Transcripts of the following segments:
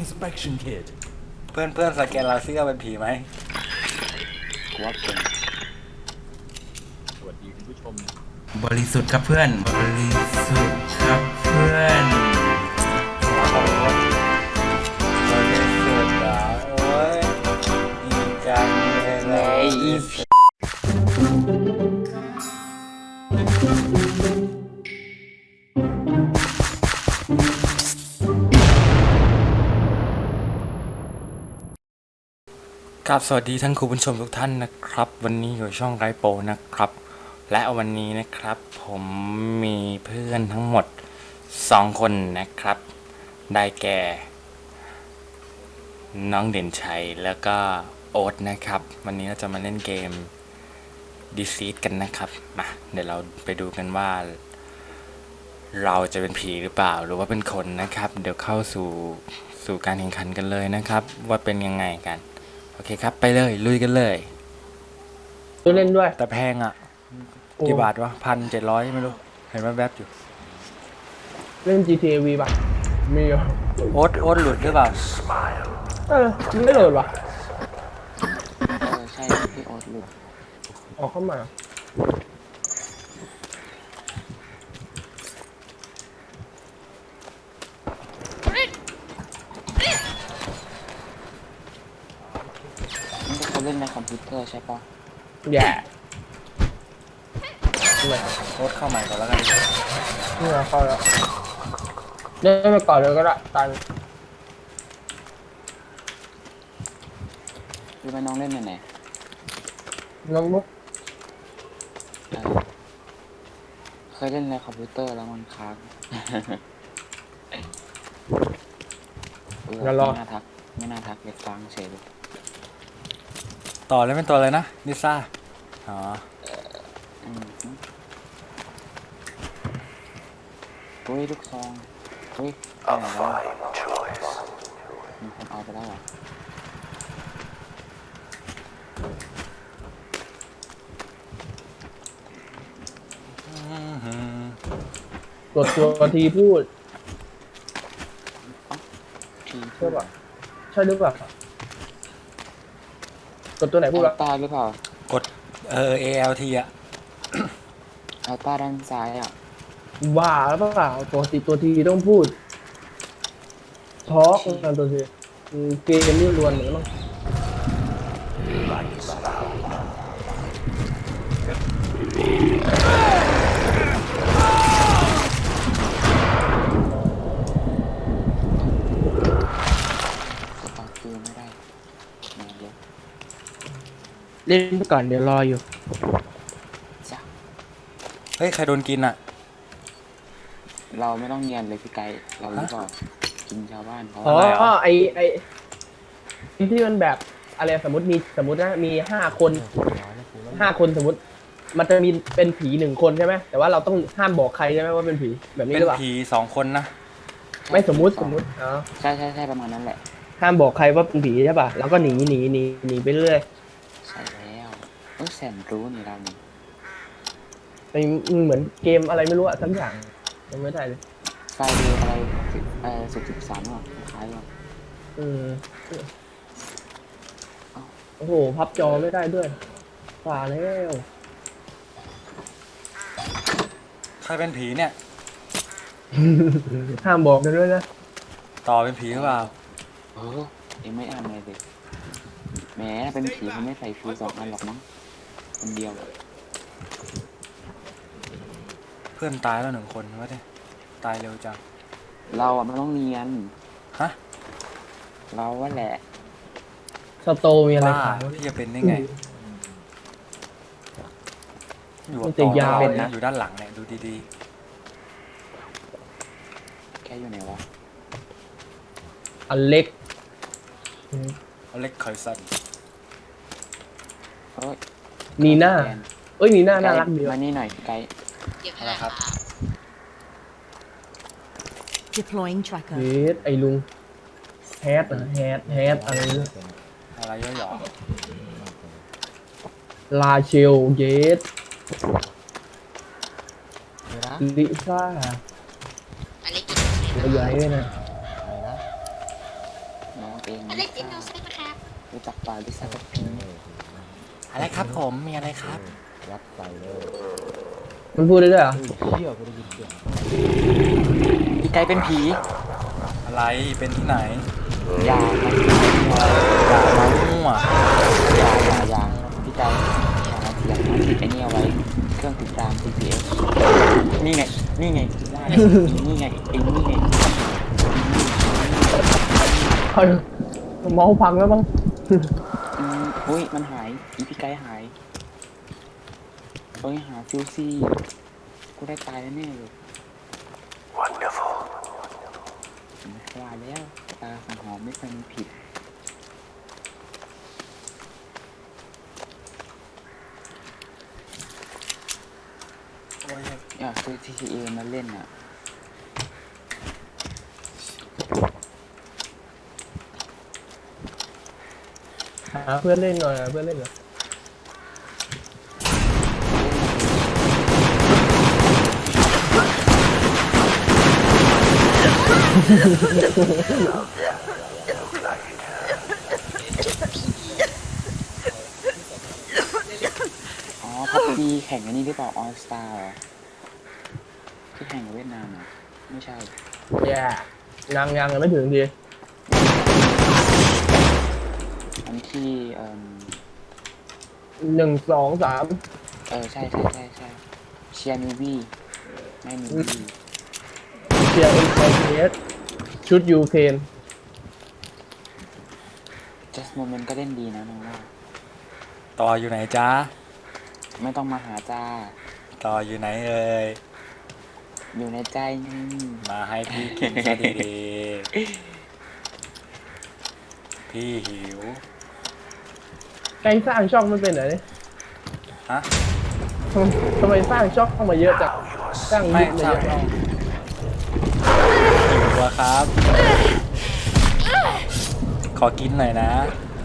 inspection kit เพื่อนสแกนเราซิว่าเป็นผีไหมกูว่าเป็นสวัสดีคุณผู้ชมบริสุทธิ์ครับเพื่อนบริสุทธิ์ครับเพื่อนบริสุทธิ์อ่ะโอ้ยดีจังเลยครับสวัสดีท่านคุณผู้ชมทุกท่านนะครับวันนี้อยู่ช่องไรโปนะครับและวันนี้นะครับผมมีเพื่อนทั้งหมด2คนนะครับได้แก่น้องเด่นชัยแล้วก็โอ๊ตนะครับวันนี้เราจะมาเล่นเกม Deceit กันนะครับมาเดี๋ยวเราไปดูกันว่าเราจะเป็นผีหรือเปล่าหรือว่าเป็นคนนะครับเดี๋ยวเข้าสู่การแข่งขันกันเลยนะครับว่าเป็นยังไงกันโอเคครับไปเลยลุยกันเลยเล่นด้วยแต่แพงอ่ะกี่บาทวะ1,700ไม่รู้เห็นว่าแวบอยู่เล่น GTA V ป่ะมีเหรอโอ๊ตหลุดหรือเปล่าไม่โหลดวะใช่พี่โอ๊ตหลุดออกเข้ามานี่เขาเล่นในคอมพิวเตอร์ใช่ปะแย่โอ๊ตเข้าใหม่ก่อนแล้วกันนี่เข้าแล้วเล่นไปก่อนเลยก็ได้ตันรู้ไหมน้องเล่นในไหนน้องมุกเคยเล่นในคอมพิวเตอร์แล้วมันค้างไม่น่าทักเด็กฟังเฉยเลยต่อเลยเป็นตัวอะไรนะลิซ่าอ๋อเฮ้ยลูกซองเฮ้ยไปไหนแล้วมีคนเอาไปแล้วเหรอกดตัวทีพูดใช่ป่ะใช่หรือเปล่ากดตัวไหนพูดวะตาหรือเปล่ากดALT อ่ะเอาตาด้านซ้ายอ่ะว่าแล้วเปล่าปกติตัวทีต้องพูดทอล์กกันตัวทีเกมนี่ล้วนเหมือนมั้งเล่นไปก่อนเดี๋ยวรออยู่เฮ้ยใครโดนกินอ่ะเราไม่ต้องเงียนเลยพี่ไก่เราหรือเปล่ากินชาวบ้านเขาไอที่มันแบบอะไรสมมตินะมี5 คนสมมติมันจะมีเป็นผี1 คนใช่ไหมแต่ว่าเราต้องห้ามบอกใครใช่ไหมว่าเป็นผีแบบนี้หรือเปล่าเป็นผี2 คนนะไม่สมมติอ๋อใช่ประมาณนั้นแหละห้ามบอกใครว่าเป็นผีใช่ป่ะแล้วก็หนีไปเรื่อยใช่แล้วแสนรู้นี่เรานี่เหมือนเกมอะไรไม่รู้อะทั้งอย่างยังไม่ได้เลยไฟเดย์อะไร13อ่ะคล้ายๆว่าโอ้โหพับจอไม่ได้ด้วยฝ่าแล้วใครเป็นผีเนี่ยห้ามบอกกันด้วยนะต่อเป็นผีหรือเปล่าเอ็งไม่อ่านเลยดิแหมเป็นผีเขาไม่ใส่ฟิว2 อันหรอกมั้งคนเดียวเพื่อนตายแล้ว1 คนวะเนี่ยตายเร็วจังเราอ่ะมันต้องเนียนฮะเราว่าแหละสโตมีอะไรขายพี่จะเป็นได้ไงอยู่ต่อยาวนะอยู่ด้านหลังเนี่ยดูดีๆแค่อยู่ไหนวะอเล็กคอยสันนีน่านีน่าน่ารักดีมานี่หน่อยไกด์นะครับ deploying tracker ไอ้ลุงแฮดอะไรย่อลาเชลเยสลิซ่าอะไรกินใหญ่เลยนะน้องเองอเล็กซ์อินโนเซนต์นะครับรู้จักป่าลิซ่ากับพิงค์อะไรครับผมมีอะไรครับมันพูดได้ด้วยเหรอพี่ไกเป็นผีอะไรเป็นที่ไหนอย่าครับอย่ามามั่วอย่าพี่ไกอย่าติดไอ้นี่เอาไว้ เครื่องติดตาม GPS นี่ไงนี่ไงนี่ไงเองนี่ไงเฮ้ยเมาส์พังแล้วมั้งอุ้ยมันหายอีพี่ไกหายเอ้ยหาฟิวซี่กูได้ตายแน่ๆเลย Wonderful ว่าแล้วตาสังหอมไม่เคยมีผิดอยากซื้อ TTA มาเล่นอ่ะหาเพื่อนเล่นหน่อยหาเพื่อนเล่นหน่อยอ๋อพับจีแข่งอันนี้หรือเปล่าออสตาร์ที่แข่งกับเวียดนามอ่ะไม่ใช่แย่ยังไม่ถึงดีอันที่ 1 2 3 ใช่เชียร์นิวบี้ไม่นิวบี้เชียร์NKS ชุดยูเครนจัสโมเมนต์ก็เล่นดีนะน้องว่าต่ออยู่ไหนจ้าไม่ต้องมาหาจ้าต่ออยู่ไหนเอ่ยอยู่ในใจนี่มาให้พี่กินซะดีๆพี่หิวใครสร้างช่องมันเป็นไหนฮะทำไมสร้างช่องเข้ามาเยอะจังสร้างไม่ลิงก์มาใช่เยอะหิวอะครับ ขอกินหน่อยนะ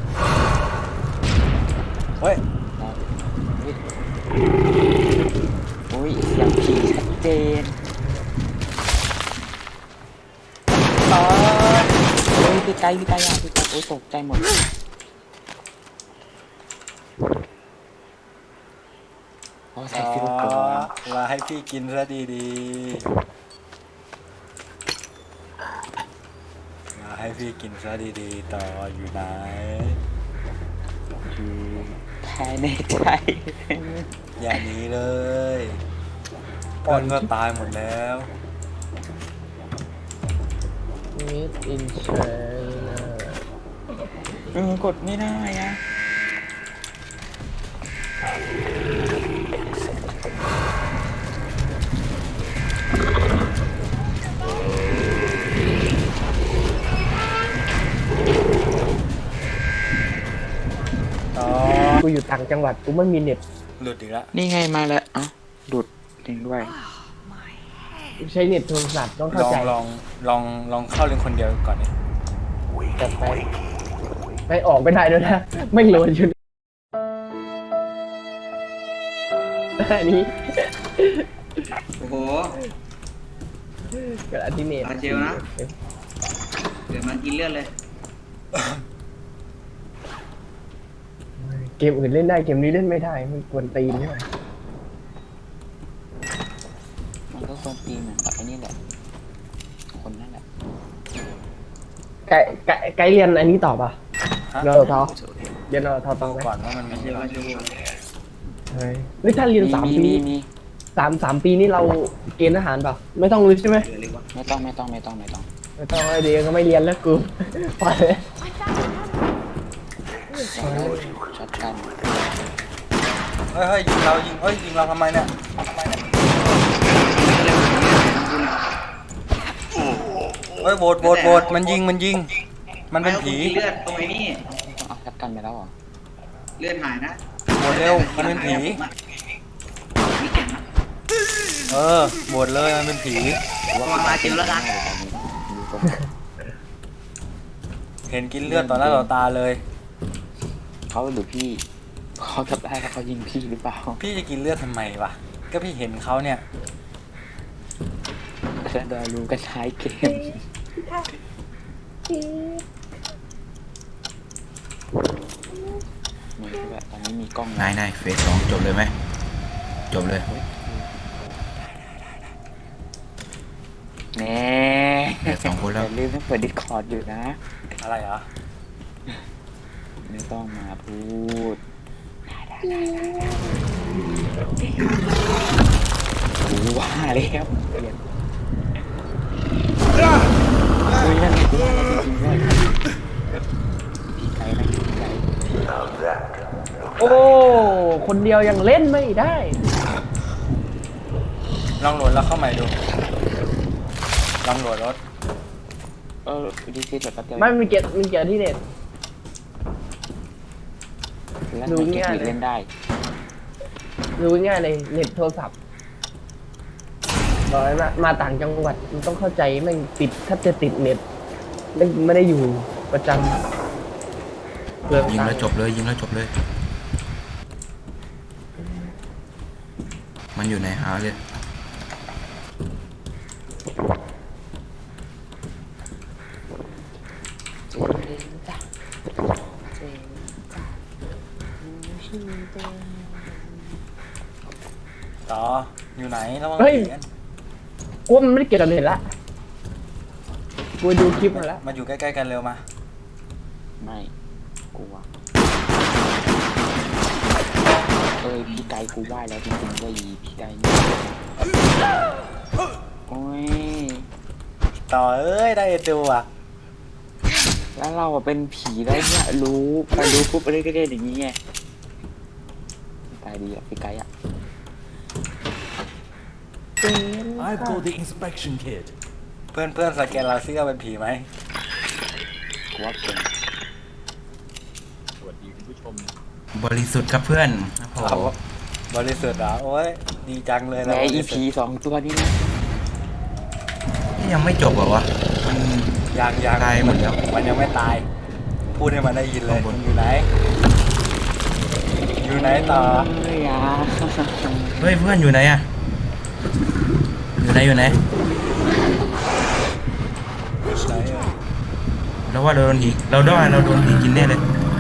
เฮ้ยอุ้ยเสียงผีชัดเจนโอ้ยพี่ไกอ่ะพี่ไกโอ้ยตกใจหมดโอ้ใส่ฟิลเกอร์มาให้พี่กินซะดีๆ มาให้พี่กินซะดีๆ ต่ออยู่ไหนอยู่ภายในใจอย่าหนีเลยเพื่อนก็ตายหมดแล้วมิดอินเชนกดไม่ได้อะต่อกูอยู่ต่างจังหวัดกูไม่มีเน็ตหลุดอีกแล้วนี่ไงมาแล้วเอ้าดุดจริงด้วยใช้เน็ตโทรศัพท์ต้องลเข้าองใจลองเข้าเล่นคนเดียวก่อนดิจัดไปไม่ออกไม่ได้ด้วยนะไม่โหลดอยู่อันนี้โอ้โหกระดาษที่เน็ตอาเจลนะ เดี๋ยวมันกินเลือดเลยเกมอื่นเล่นได้เกมนี้เล่นไม่ได้มันกวนตีนใช่ไหมมันก็ควรตีเหมือนกับไอ้นี่แหละคนนั่นแหละไกด์เรียนอันนี้ต่อป่ะฮะเราทอเรียนเราทอต่อไหมก่อนว่ามันมีเดี๋ยวมาดูเฮ้ยนี่ถ้าเรียน3 ปีมี 3 ปีนี่เราเกณฑ์ทหารป่ะไม่ต้องเลยใช่ไหมเหลือเล็กวะไม่ต้องไม่ต้องไอเดียก็ไม่เรียนแล้วกูไปเลยช็อตกันเฮ้ยยิงเรายิงเราทำไมเนี่ยเฮ้ยโบดมันยิงมันเป็นผีกินเลือดตรงไอ้นี่เอาช็อตกันไปแล้วเหรอเลือดหายนะโบดเร็วมันเป็นผีมีเก่งนะโบดเลยมันเป็นผีระวังลาเจลแล้วนะเห็นกินเลือดต่อหน้าต่อตาเลยเขาหรือพี่เขาทำได้แล้วเขายิงพี่หรือเปล่าพี่จะกินเลือดทำไมวะก็พี่เห็นเขาเนี่ยจะได้รู้กันท้ายเกมไม่มีกล้องนายเฟส 2จบเลยไหมจบเลยแน่เหลือ2 คนแล้วอย่าลืมต้องเปิดดิสคอร์ดอยู่นะอะไรเหรอไม่ต้องมาพูดกูว่าแล้วเปลี่ยนคุยนั่นไงกูว่าแล้วจริงๆด้วยพี่ไก่นะพี่ไก่โอ้ คนเดียวยังเล่นไม่ได้ลองโหลดแล้วเข้าใหม่ดู ลองโหลดรถดีซีแบบแป๊บเดียวไม่มันเกี่ยวที่เน็ตแล้วดูมันเก็บง่ายอีกเลยเล่นได้ดูง่ายเลยเน็ตโทรศัพท์บอกเลยนะมาต่างจังหวัดมันต้องเข้าใจแม่งติดถ้าจะติดเน็ตไม่ได้อยู่ประจำเปลืองยิงตังแล้วค์จบเลยยิงแล้วจบเลย มันอยู่ในหาเลยต่อ อยู่ไหนระวังเฮ้ยผีกันกูว่ามันไม่ได้เกี่ยวกับเน็ตละกูไปดูคลิปมาแล้วมาอยู่ใกล้ๆกันเร็วมาไม่กลัวพี่ไก่กูไหว้แล้วจริงๆว่าอีพี่ไก่เนี่ยโอ้ยต่อเอ้ยได้ตัวแล้วเราอะเป็นผีได้เนี่ยรู้ไปรู้ปุ๊บไปเรื่อยๆอย่างนี้ไงตายดีอ่ะพี่ไก่อ่ะ I've got the inspection kit. เพื่อนสแกนเราซิว่าเป็นผีไหมกูว่าเป็นบริสุทธิ์ครับเพื่อนโอ้เราโหบริสุทธิ์เหรอโอ้ยดีจังเลยแหนะมบอีริสุทผีธิ์สองตัวนี้นะนี่ยังไม่จบเหรอวะมันยังตายหมดแล้วมันยังไม่ตาย พูดให้มันได้ยินเลยข้างบนมันอยู่ไหน อยู่ไหนต่อเฮ้ยอ่ะเฮ้ยเพื่อนอยู่ไหนอะอยู่ไหนอยู่ไหนเอ่ยเราว่าเราโดนผีเราโดนผีกินแน่เลย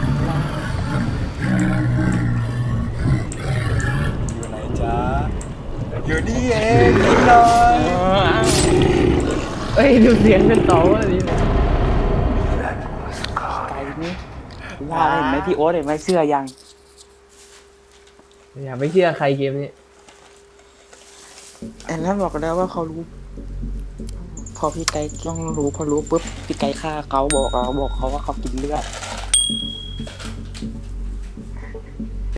อยู่ไหนจ๊ะอยู่นี่เองนิดหน่อยเฮ้ยดูเสียงกันต่อว่าดีไก่นี่ว่าเห็นไหมพี่โอ๊ตเห็นไหมเสื้อยังอย่าไปเชื่อใครเกมนี้อันนั้นบอกแล้วว่าเขารู้ พอพี่ไก่ต้องรู้พอรู้ปุ๊บพี่ไก่ฆ่าเขาบอกเขาว่าเขากินเลือด